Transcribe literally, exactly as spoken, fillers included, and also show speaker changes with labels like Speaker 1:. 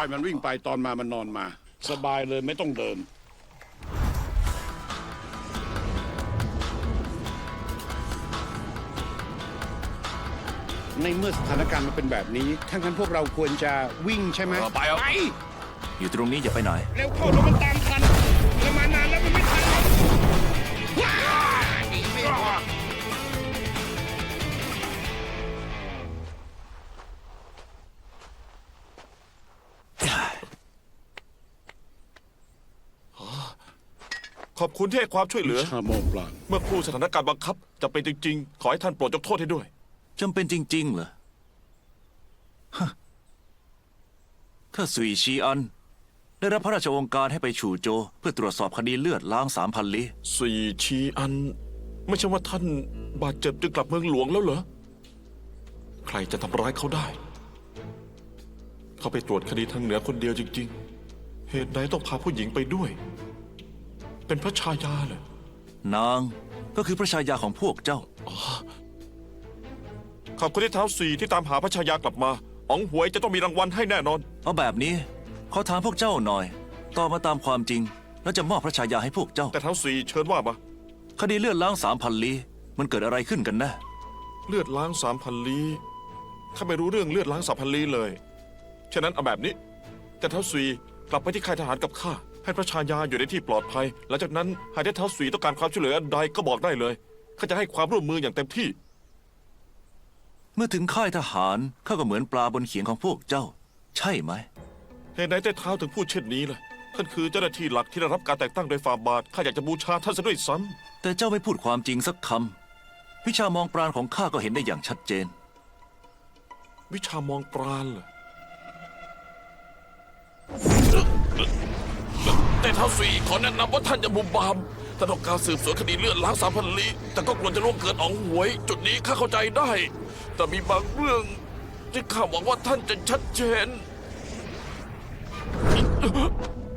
Speaker 1: มันวิ่งไปตอนมามันนอนมา สบายเลยไม่ต้องเดิน ในเมื่อสถานการณ์มันเป็นแบบนี้ถ้างั้นพวกเราควรจะวิ่งใช่ไหม
Speaker 2: เออไปเอา
Speaker 1: ไป
Speaker 3: อยู่ตรงนี้อย่าไปไหน
Speaker 1: เร็วเข้าแล้วมันตามทันเรามานานแล้วมันไม่ทันแล้วว้า
Speaker 2: ขอบคุณที่ให้ความช่วยเหลือ
Speaker 1: ชาโมปลาน
Speaker 2: เมื่อครู่สถานการณ์บังคับจะเป็นจริงๆ ขอให้ท่านโปรดยกโทษให้ด้วย
Speaker 3: จำเป็นจริงๆเหรอฮะถ้าสุยชีอัน ได้รับพระราชโองการให้ไปฉู่โจวเพื่อตรวจสอบคดีเลือดล้างสามพันลี้
Speaker 2: สี่ชีอัน ไม่ใช่ว่าท่านบาดเจ็บจึงกลับเมืองหลวงแล้วเหรอ ใครจะทำร้ายเขาได้ เขาไปตรวจคดีทางเหนือคนเดียวจริงๆ เหตุใดต้องพาผู้หญิงไปด้วย เป็นพระชายาเหรอน
Speaker 3: างก็คือพระชายาของพวกเจ้า
Speaker 2: ขอบคุณที่เท้าสี่ที่ตามหาพระชายากลับมาอ๋องหวยจะต้องมีรางวัลให้แน่นอน
Speaker 3: เอาแบบนี้ขอถามพวกเจ้าหน่อยตอบมาตามความจริง แล้วจะมอบพระชายาให้พวกเจ้า
Speaker 2: แต่เท้าสี่เชิญว่ามา
Speaker 3: คดีเลือดล้างสามพันลี้มันเกิดอะไรขึ้นกันแน่
Speaker 2: เลือดล้างสามพันลี้ข้าไม่รู้เรื่องเลือดล้างสามพันลี้เลย ฉะนั้นเอาแบบนี้ แต่เท้าสุยกลับไปที่ค่ายทหารกับข้า ให้พระชายาอยู่ในที่ปลอดภัย หลังจากนั้นหากได้เท้าสุยต้องการความช่วยเหลืออันใดก็บอกได้เลย ข้าจะให้ความร่วมมืออย่างเต็มที่
Speaker 3: เมื่อถึงค่ายทหารข้าก็เหมือนปลาบนเขียงของพวกเจ้า ใช่ไหม
Speaker 2: เหตุใดแต่เท้าถึงพูดเช่นนี้ล่ะ ท่านคือเจ้าหน้าที่หลักที่ได้รับการแต่งตั้งโดยฝ่าบาท ข้าอยากจะบูชาท่านซะด้วยซ้
Speaker 3: แต่เจ้าไม่พูดความจริงสักคำวิชามองปราณของข้าก็เห็นได้อย่างชัดเจน
Speaker 2: ำวิชามองปราณเหรอแต่เท้าสุยขอแนะนำว่าท่านอย่าบุมบามท่านต้องการสืบสวนคดีเลือดล้างสามพันลี้แต่ก็กลัวจะล่วงเกินอ๋องหวย จุดนี้ข้าเข้าใจได้ แต่มีบางเรื่องที่ข้าหวังว่าท่านจะชัดเจน